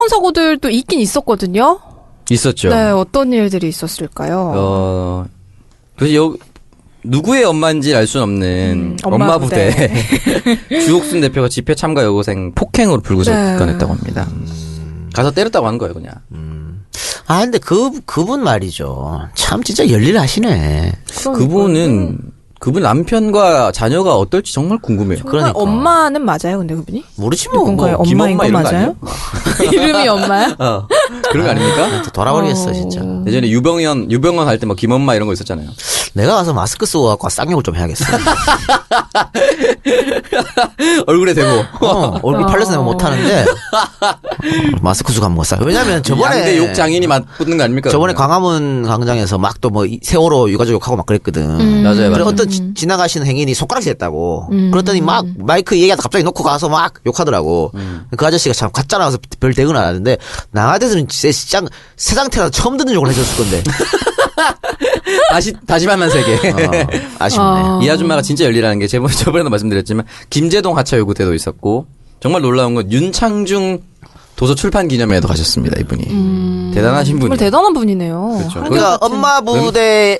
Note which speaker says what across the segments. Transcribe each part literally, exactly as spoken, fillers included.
Speaker 1: 사고들도 있긴 있었거든요.
Speaker 2: 있었죠.
Speaker 1: 네, 어떤 일들이 있었을까요?
Speaker 2: 어, 도대체 여, 누구의 엄마인지 알 수는 없는
Speaker 1: 음,
Speaker 2: 엄마,
Speaker 1: 엄마
Speaker 2: 부대.
Speaker 1: 부대.
Speaker 2: 주옥순 대표가 집회 참가 여고생 폭행으로 불구속건했다고
Speaker 1: 네.
Speaker 2: 합니다. 가서 때렸다고 한 거예요, 그냥.
Speaker 3: 음. 아, 근데 그, 그분 말이죠. 참 진짜 열일하시네.
Speaker 1: 그러니까요.
Speaker 2: 그분은, 그분 남편과 자녀가 어떨지 정말 궁금해요.
Speaker 1: 정말
Speaker 3: 그러니까.
Speaker 1: 엄마는 맞아요, 근데 그분이?
Speaker 3: 모르지 뭐.
Speaker 1: 누군가요?
Speaker 3: 뭐
Speaker 1: 엄마인
Speaker 2: 김엄마
Speaker 1: 거
Speaker 2: 이런 거
Speaker 1: 맞아요? 이름이 엄마야?
Speaker 2: 어. 그런 거 아닙니까?
Speaker 3: 돌아버리겠어,
Speaker 1: 어.
Speaker 3: 진짜.
Speaker 2: 예전에 유병현, 유병헌 할 때 뭐 김엄마 이런 거 있었잖아요.
Speaker 3: 내가 가서 마스크 쓰고 갖고 쌍욕을 좀 해야겠어.
Speaker 2: 얼굴에 대고.
Speaker 3: 어, 얼굴 팔려서 내가 못하는데. 마스크 쓰고 한번 못 써. 왜냐면 저번에.
Speaker 2: 양대 욕 장인이 맞붙는 거 아닙니까?
Speaker 3: 저번에
Speaker 2: 그러면?
Speaker 3: 광화문 광장에서 막 또 뭐 세월호 유가족 욕하고 막 그랬거든.
Speaker 1: 음.
Speaker 2: 맞아요,
Speaker 3: 그래
Speaker 2: 맞아요.
Speaker 3: 어떤 지, 지나가시는 행인이 손가락질 했다고.
Speaker 1: 음.
Speaker 3: 그랬더니 막 마이크 얘기하다 갑자기 놓고 가서 막 욕하더라고.
Speaker 2: 음.
Speaker 3: 그 아저씨가 참 가짜 나와서 별 대응 안 하는데 나 같아서는 진짜 시장 새 상태라서 처음 듣는 욕을 해줬을 건데.
Speaker 2: 다시, 다시 만난 세계.
Speaker 3: 어, 아쉽네.
Speaker 1: 어.
Speaker 2: 이 아줌마가 진짜 열리라는 게 저번에, 저번에도 말씀드렸지만 김제동 하차요구 때도 있었고 정말 놀라운 건 윤창중 도서 출판 기념회에도 가셨습니다, 이분이.
Speaker 1: 음.
Speaker 2: 대단하신 분이에요.
Speaker 1: 정말 대단한 분이네요.
Speaker 2: 그렇죠.
Speaker 1: 한결
Speaker 3: 그러니까
Speaker 1: 같은-
Speaker 3: 엄마 부대에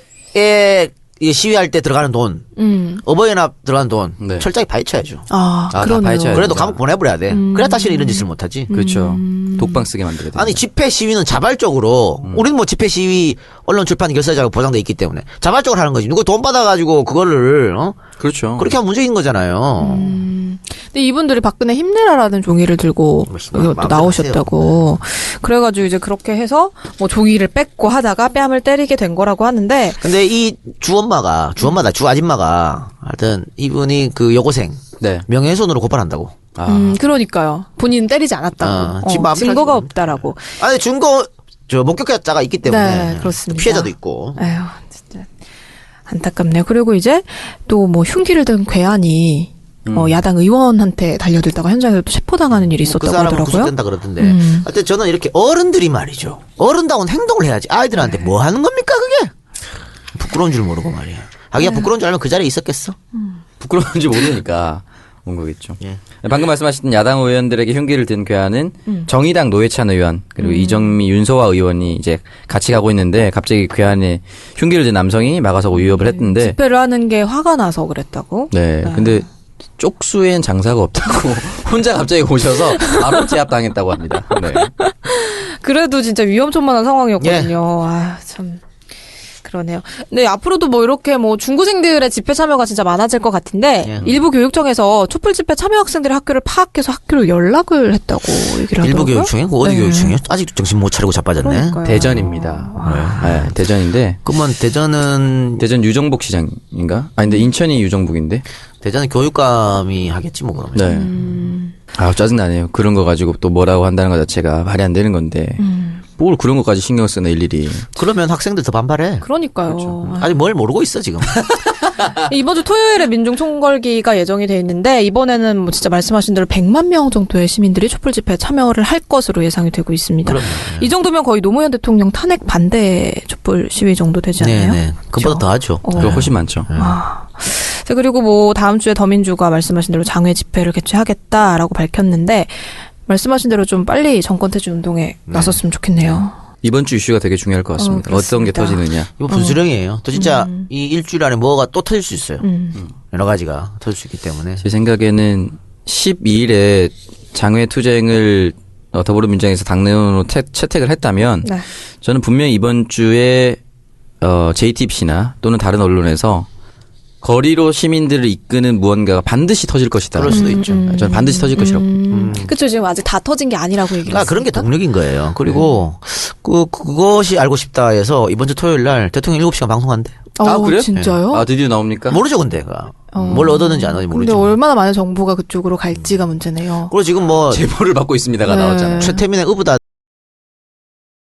Speaker 3: 이 시위할 때 들어가는 돈,
Speaker 1: 음.
Speaker 3: 어버이연합 들어가는 돈
Speaker 2: 네.
Speaker 3: 철저히 파헤쳐야죠.
Speaker 1: 아,
Speaker 2: 아, 다
Speaker 1: 그러네요.
Speaker 2: 파헤쳐야
Speaker 3: 그래도
Speaker 2: 진짜.
Speaker 3: 감옥 보내버려야 돼.
Speaker 1: 음.
Speaker 3: 그래야 다시는 이런 짓을 못하지.
Speaker 2: 그렇죠. 독방 쓰게 만들어야 돼.
Speaker 3: 아니 집회 시위는 자발적으로
Speaker 2: 음.
Speaker 3: 우리는 뭐 집회 시위 언론 출판 결사자가 보장돼 있기 때문에 자발적으로 하는 거지. 누구 돈 받아가지고 그거를 어?
Speaker 2: 그렇죠.
Speaker 3: 그렇게 하면 문제인 거잖아요.
Speaker 1: 음. 근데 이분들이 박근혜 힘내라라는 종이를 들고
Speaker 3: 뭐,
Speaker 1: 여기 또
Speaker 3: 마음대로
Speaker 1: 나오셨다고. 그래가지고 이제 그렇게 해서 뭐 종이를 뺏고 하다가 뺨을 때리게 된 거라고 하는데.
Speaker 3: 근데 이 주엄마가 주엄마다 주 아줌마가 하여튼 이분이 그 여고생
Speaker 2: 네.
Speaker 3: 명예훼손으로 고발한다고.
Speaker 2: 아.
Speaker 1: 음, 그러니까요. 본인은 때리지 않았다고.
Speaker 3: 아,
Speaker 1: 어,
Speaker 3: 지금 마음대로
Speaker 1: 증거가
Speaker 3: 하지.
Speaker 1: 없다라고.
Speaker 3: 아니 증거 저 목격자가 있기 때문에
Speaker 1: 네, 그렇습니다.
Speaker 3: 피해자도 있고.
Speaker 1: 에휴, 진짜 안타깝네요. 그리고 이제 또 뭐 흉기를 든 괴한이
Speaker 3: 음.
Speaker 1: 어, 야당 의원한테 달려들다가 현장에서 또 체포당하는 일이
Speaker 3: 그
Speaker 1: 있었다고
Speaker 3: 사람은
Speaker 1: 하더라고요.
Speaker 3: 구속된다 그러던데.
Speaker 1: 음.
Speaker 3: 하여튼 저는 이렇게 어른들이 말이죠. 어른다운 행동을 해야지. 아이들한테
Speaker 1: 네.
Speaker 3: 뭐 하는 겁니까 그게? 부끄러운 줄 모르고 말이야. 하기야
Speaker 1: 네.
Speaker 3: 부끄러운 줄 알면 그 자리에 있었겠어?
Speaker 2: 부끄러운지 모르니까 온 거겠죠.
Speaker 3: 예.
Speaker 2: 방금 말씀하신 야당 의원들에게 흉기를 든 괴한은
Speaker 1: 음.
Speaker 2: 정의당 노회찬 의원 그리고 이정미 윤소아 의원이 이제 같이 가고 있는데 갑자기 괴한에 흉기를 든 남성이 막아서고 위협을 했는데
Speaker 1: 집회를 하는 게 화가 나서 그랬다고.
Speaker 2: 네. 근데 쪽수엔 장사가 없다고 혼자 갑자기 오셔서 바로 제압당했다고 합니다. 네.
Speaker 1: 그래도 진짜 위험천만한 상황이었거든요. 아, 참. 그러네요. 네, 앞으로도 뭐 이렇게 뭐 중고생들의 집회 참여가 진짜 많아질 것 같은데
Speaker 3: 예.
Speaker 1: 일부 교육청에서 촛불 집회 참여 학생들의 학교를 파악해서 학교로 연락을 했다고 얘기를
Speaker 3: 일부
Speaker 1: 하더라고요.
Speaker 3: 교육청이? 그 어디
Speaker 1: 네.
Speaker 3: 교육청이요? 아직도 정신 못 차리고 자빠졌네.
Speaker 1: 그러니까요.
Speaker 2: 대전입니다. 네, 대전인데
Speaker 3: 그러면 대전은
Speaker 2: 대전 유정복 시장인가? 아니 근데 인천이 유정복인데.
Speaker 3: 대전은 교육감이 하겠지 뭐 그러면.
Speaker 2: 네.
Speaker 1: 음,
Speaker 2: 아 짜증나네요. 그런 거 가지고 또 뭐라고 한다는 것 자체가 말이 안 되는 건데
Speaker 1: 음.
Speaker 2: 뭘 그런 것까지 신경 쓰네 일일이.
Speaker 3: 그러면 학생들 더 반발해.
Speaker 1: 그러니까요. 아,
Speaker 3: 아직 뭘 모르고 있어 지금.
Speaker 1: 이번 주 토요일에 민중 총궐기가 예정이 돼 있는데 이번에는 뭐 진짜 말씀하신 대로 백만 명 정도의 시민들이 촛불 집회에 참여를 할 것으로 예상이 되고 있습니다.
Speaker 3: 그럼요.
Speaker 1: 이 정도면 거의 노무현 대통령 탄핵 반대 촛불 시위 정도 되지 않나요?
Speaker 3: 네네. 그보다 더 하죠.
Speaker 1: 어.
Speaker 2: 그거 훨씬 많죠.
Speaker 1: 아. 자, 그리고 뭐 다음 주에 더민주가 말씀하신 대로 장외 집회를 개최하겠다라고 밝혔는데 말씀하신 대로 좀 빨리 정권 퇴진 운동에 나섰으면 좋겠네요.
Speaker 2: 이번 주 이슈가 되게 중요할 것 같습니다.
Speaker 1: 어,
Speaker 2: 어, 떤게
Speaker 1: 그렇습니다.
Speaker 2: 터지느냐.
Speaker 3: 이거 분수령이에요. 또 진짜
Speaker 1: 음.
Speaker 3: 이 일주일 안에 뭐가 또 터질 수 있어요.
Speaker 1: 음.
Speaker 3: 여러 가지가 터질 수 있기 때문에.
Speaker 2: 제 생각에는 십이 일에 장외 투쟁을 어, 더불어민주당에서 당내원으로 채, 채택을 했다면
Speaker 1: 네.
Speaker 2: 저는 분명히 이번 주에 어, 제이티비씨나 또는 다른 언론에서 거리로 시민들을 이끄는 무언가가 반드시 터질 것이다.
Speaker 3: 그럴 수도 있죠.
Speaker 1: 음.
Speaker 2: 저는 반드시 터질 것이라고.
Speaker 1: 음. 그쵸, 지금 아직 다 터진 게 아니라고 얘기를
Speaker 3: 아, 그런 게
Speaker 1: 했으니까.
Speaker 3: 동력인 거예요. 그리고 그 그것이 알고 싶다 해서 이번 주 토요일 날 대통령 일곱 시간 방송한대.
Speaker 2: 아,
Speaker 1: 어,
Speaker 2: 그래요?
Speaker 1: 진짜요?
Speaker 2: 아, 드디어 나옵니까?
Speaker 3: 모르죠, 근데. 그.
Speaker 1: 어.
Speaker 3: 뭘 얻었는지 안 얻는지
Speaker 1: 근데
Speaker 3: 모르죠.
Speaker 1: 얼마나 많은 정보가 그쪽으로 갈지가 문제네요.
Speaker 3: 그리고 지금 뭐
Speaker 2: 제보를 받고 있습니다가
Speaker 1: 네.
Speaker 2: 나왔잖아요.
Speaker 3: 최태민의 의붓다